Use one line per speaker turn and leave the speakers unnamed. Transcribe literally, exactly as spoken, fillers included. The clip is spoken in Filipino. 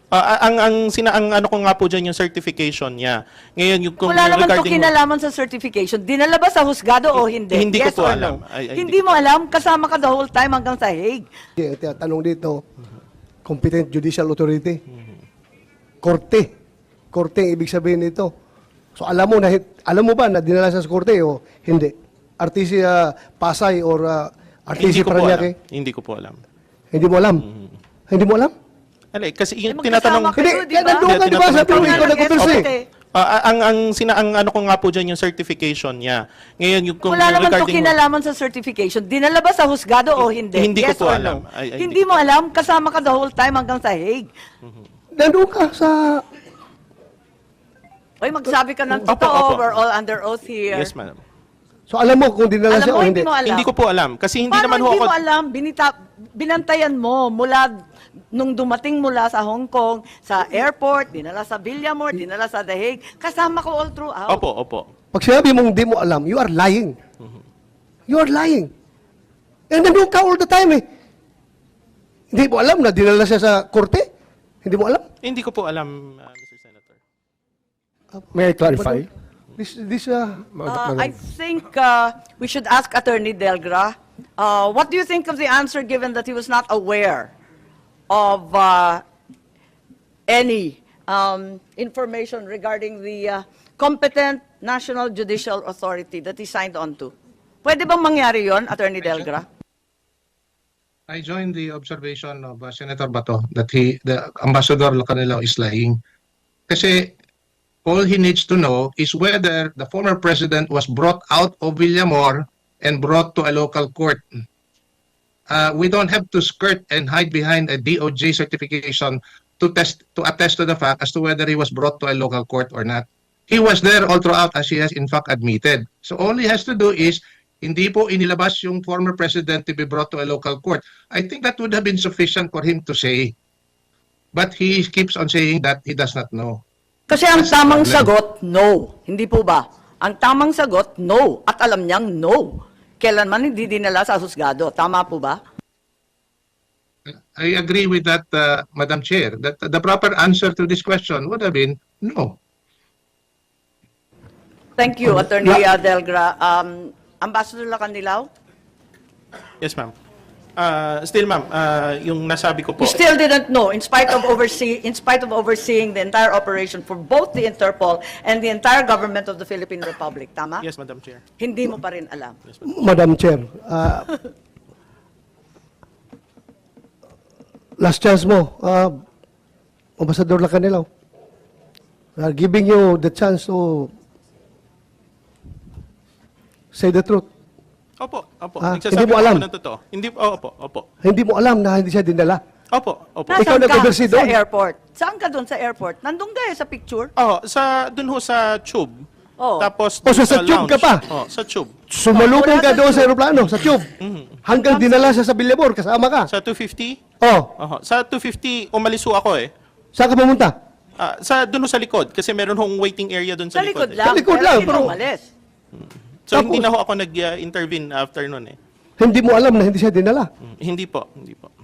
Ah, ang ang sina ang ano ko nga po diyan yung certification niya. Ngayon yung kung
Wala naman to
regarding
kinalaman sa certification. Dinala ba sa husgado o hindi?
Hindi ko
Yes
po
or
alam.
no?
Ay- ay,
Hindi
hindi
mo alam? Kasama ka the whole time hanggang sa Hague.
Yung tanong dito, competent judicial authority. Korte. Korte ang ibig sabihin nito. So alam mo na alam mo ba na dinala sa korte o hindi? R T C uh, Pasay or uh, R T
hindi
C
ko po alam.
Paranaque?
Hindi ko po alam.
Hindi mo alam? Hindi mo alam?
Alay, kasi yung
Eh,
tinatanong
magkasama kayo,
Hindi,
di ba?
nandun ka, di ba? Sabi mo, ikaw nag-converse eh.
Ah, ang ang sina ang ano ko nga po diyan yung certification niya. Ngayon yung kung
Wala naman to
regarding
kinalaman sa certification. Dinala ba sa husgado o hindi?
Hindi ko
Yes
po
or
alam.
no?
Ay- ay,
Hindi
hindi
mo alam? Kasama ka the whole time hanggang sa Hague.
Nandun ka sa...
Oy, magsabi ka ng
Opo,
totoo.
opo.
We're all under oath here.
Yes, madam.
So alam mo kung dinala
Alam
siya
mo,
o
hindi
hindi?
mo alam.
Hindi ko po alam kasi hindi
Paano
naman ho
hindi
ako
mo alam? Binita, binantayan mo mula nung dumating mula sa Hong Kong, sa airport, dinala sa Villamor, dinala sa The Hague. Kasama ko all throughout.
Opo, opo.
Pag sinabi mong hindi mo alam, you are lying. You are lying. And nandun ka all the time eh. Hindi mo alam na dinala siya sa korte? Hindi mo alam?
Hindi ko po alam, uh, Mister Senator.
May I clarify?
This, this, uh,
Uh, I think uh, we should ask Attorney Delgra, uh, what do you think of the answer given that he was not aware of uh, any um, information regarding the uh, competent National Judicial Authority that he signed on to? Pwede bang mangyari yon, Attorney Delgra?
I join the observation of uh, Senator Bato that he, the Ambassador Lacanelao is lying. Kasi all he needs to know is whether the former president was brought out of Villamor and brought to a local court. Uh, we don't have to skirt and hide behind a D O J certification to test to attest to the fact as to whether he was brought to a local court or not. He was there all throughout, as he has in fact admitted. So all he has to do is hindi po inilabas yung former president to be brought to a local court. I think that would have been sufficient for him to say. But he keeps on saying that he does not know.
Kasi ang
That's the
tamang
problem.
sagot, no. Hindi po ba? Ang tamang sagot, no. At alam niyang no. Kailanman hindi dinala sa husgado. Tama po ba?
I agree with that, uh, Madam Chair, that the proper answer to this question would have been no.
Thank you, Attorney uh, Delgra. Um, Ambassador Lacanilao?
Yes, ma'am. Uh, still, ma'am, uh, yung nasabi ko po.
You still didn't know, in spite of oversee, in spite of overseeing the entire operation for both the Interpol and the entire government of the Philippine Republic. Tama?
Yes, Madam Chair.
Hindi mo pa rin alam.
Yes, ma'am.
Madam Chair, uh, last chance mo, uh, Ambassador Lacanelao. We are giving you the chance to say the truth.
Opo, opo.
Ah,
Nagsasabi
hindi mo
po
alam?
ako ng totoo. Hindi, oh, opo, opo.
Hindi mo alam na hindi siya dinala.
Opo, opo.
Ikaw
Nasaan ka
nag-oversee
sa
doon?
airport? Saan ka doon sa airport? Nandun ka eh, sa picture?
Oh, sa dun ho sa tube.
Oh.
Tapos
Oh,
dun
so sa tube ka
lounge.
pa?
Oh, sa tube.
Sumalubong
Wala
ka
sa
doon sa
tube.
aeroplano, sa tube. Hanggang dinala siya sa Billabor, kasama ka.
Sa two fifty?
Oh,
Oho. Sa two fifty, umalis ho ako eh.
saan ka pumunta?
Ah, sa dun ho sa likod kasi meron hong waiting area dun sa,
Sa likod
eh.
lang.
Sa likod
pero
lang,
hindi
pero-
na umalis.
So hindi
Tapos-
na ho ako nag-intervene after nun eh.
Hindi mo alam na hindi siya dinala.
Mm, Hindi po, hindi po.